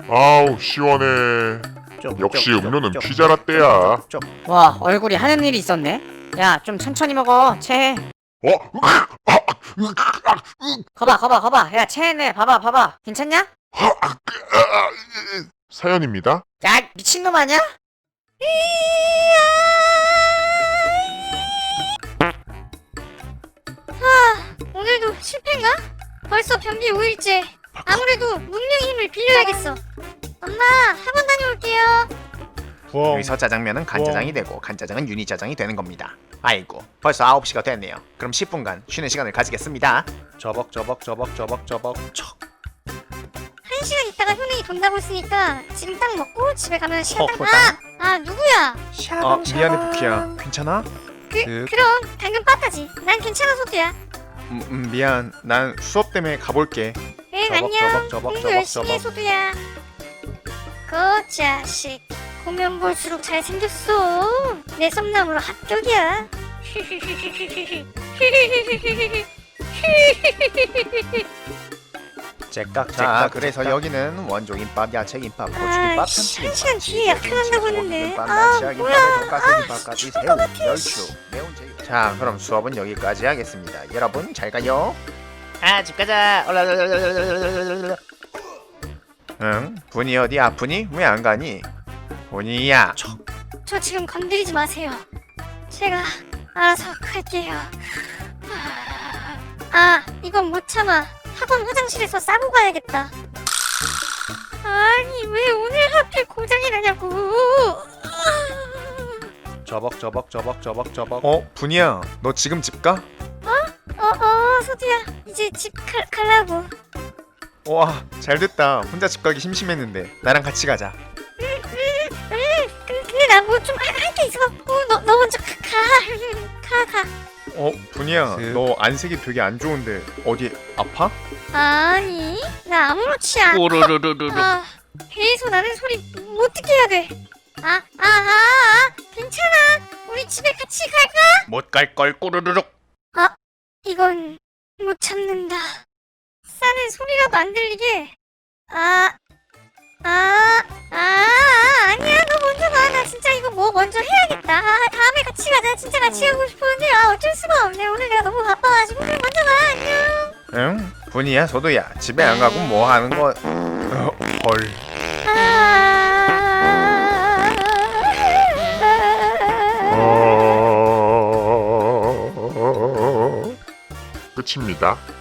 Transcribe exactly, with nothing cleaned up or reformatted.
아우 시원해. 역시 음료는 피자 라떼야. 와, 얼굴이 하는 일이 있었네. 야, 좀 천천히 먹어. 체해. 어? 거봐, 거봐, 거봐. 야, 체해네. 봐봐, 봐봐. 괜찮냐? 사연입니다. 야, 미친놈 아니야? 오늘도 실패인가? 벌써 변비 오 일째. 아무래도 문명의 힘을 빌려야겠어. 엄마, 학원 다녀올게요. 여기서 짜장면은 간짜장이 되고 간짜장은 유니짜장이 되는 겁니다. 아이고 벌써 아홉 시가 됐네요. 그럼 십 분간 쉬는 시간을 가지겠습니다. 저벅 저벅 저벅 저벅 저벅 척. 한 시간 있다가 효능이 돈다고 했으니까 지금 딱 먹고 집에 가면 시간 딱. 어, 아, 아 누구야? 아 미안해 부키야. 괜찮아? 그 그- 그럼 방금 빠따지. 난 괜찮아 소두야. 음, 음 미안. 난 수업 때문에 가볼게. 응 저벅, 안녕. 저벅, 저벅, 공부 저벅, 열심히 해 저벅. 소두야. 그 자식 보면 볼수록 잘 생겼어. 내 썸남으로 합격이야. 째깍 자 그래서 여기는 원조김밥, 야채김밥, 고추김밥, 아, 씨, 한 참치김밥, 시간 뒤에 약해간다고 했는데. 김밥, 아, 나시아김밥, 뭐야. 돈가스김밥까지 새우, 멸치, 매운 제육. 자 그럼 수업은 여기까지 하겠습니다. 여러분 잘 가요. 아, 집 가자. 응? 분이 어디 아프니? 왜 안 가니? 분이야. 저 지금 건드리지 마세요. 제가 알아서 갈게요. 아, 이건 못 참아. 학원 화장실에서 싸고 가야겠다. 아니, 왜 오늘 하필 고장이 나냐고. 저벅 저벅 저벅 저벅 저벅. 어 분이야. 너 지금 집 가? 어, 어, 소두야. 이제 집 갈, 갈라고. 와 잘됐다. 혼자 집 가기 심심했는데 나랑 같이 가자. 응, 응. 근데, 근데 나 뭐 좀 할 게 있어갖고. 너, 너 먼저 가, 가. 가, 가. 어 분이야. 너 안색이 되게 안 좋은데 어디 아파? 아니, 나 아무렇지 않아. 아, 배에서 나는 소리 못 듣게 해야 돼. 아, 아, 아, 아, 괜찮아. 우리 집에 같이 갈까? 못 갈 걸 꼬르르륵. 이건 못 참는다. 싸는 소리라도 안 들리게. 아, 아, 아, 아, 아니야. 너 먼저 가. 나 진짜 이거 뭐 먼저 해야겠다. 아, 다음에 같이 가자. 진짜 같이 가고 싶었는데 아, 어쩔 수가 없네. 오늘 내가 너무 바빠가지고 그냥 먼저 가. 안녕. 응? 분이야 소도야. 집에 안 가고 뭐 하는 거? 어, 헐. 아, 어... 끝입니다.